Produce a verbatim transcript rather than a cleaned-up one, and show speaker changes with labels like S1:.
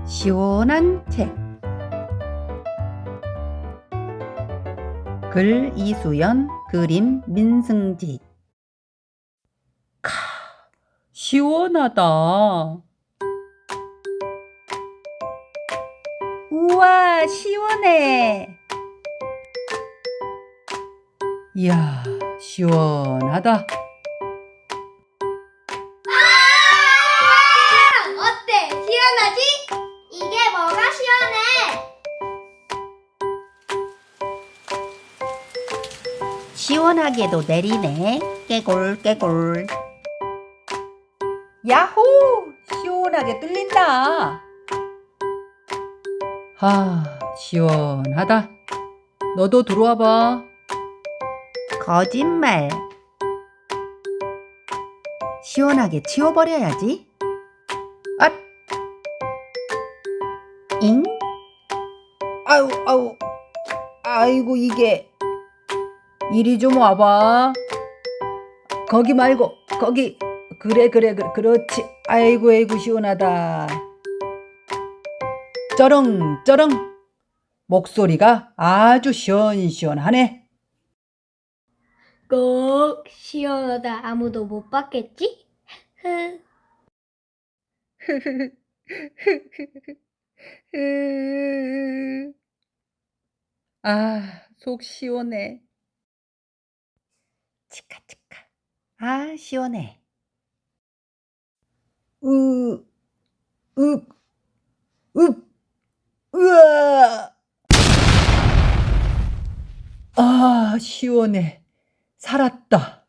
S1: 시원한 책. 글 이수연, 그림 민승지. 카, 시원하다. 우와, 시원해. 이야, 시원하다.
S2: 어때? 시원하지? 이게 뭐가 시원해?
S1: 시원하게도 내리네. 깨골 깨골. 야호! 시원하게 뚫린다. 아, 시원하다. 너도 들어와 봐. 거짓말. 시원하게 치워버려야지. 앗! 잉? 아우, 아우. 아이고, 이게. 이리 좀 와봐. 거기 말고, 거기. 그래, 그래, 그래. 그렇지. 아이고, 아이고, 시원하다. 쩌렁, 쩌렁. 목소리가 아주 시원시원하네.
S2: 꼭 시원하다. 아무도 못 봤겠지? 흐.
S1: 아, 속 시원해. 치카치카. 아, 시원해. 으, 윽, 윽, 으아. 아, 시원해. 살았다.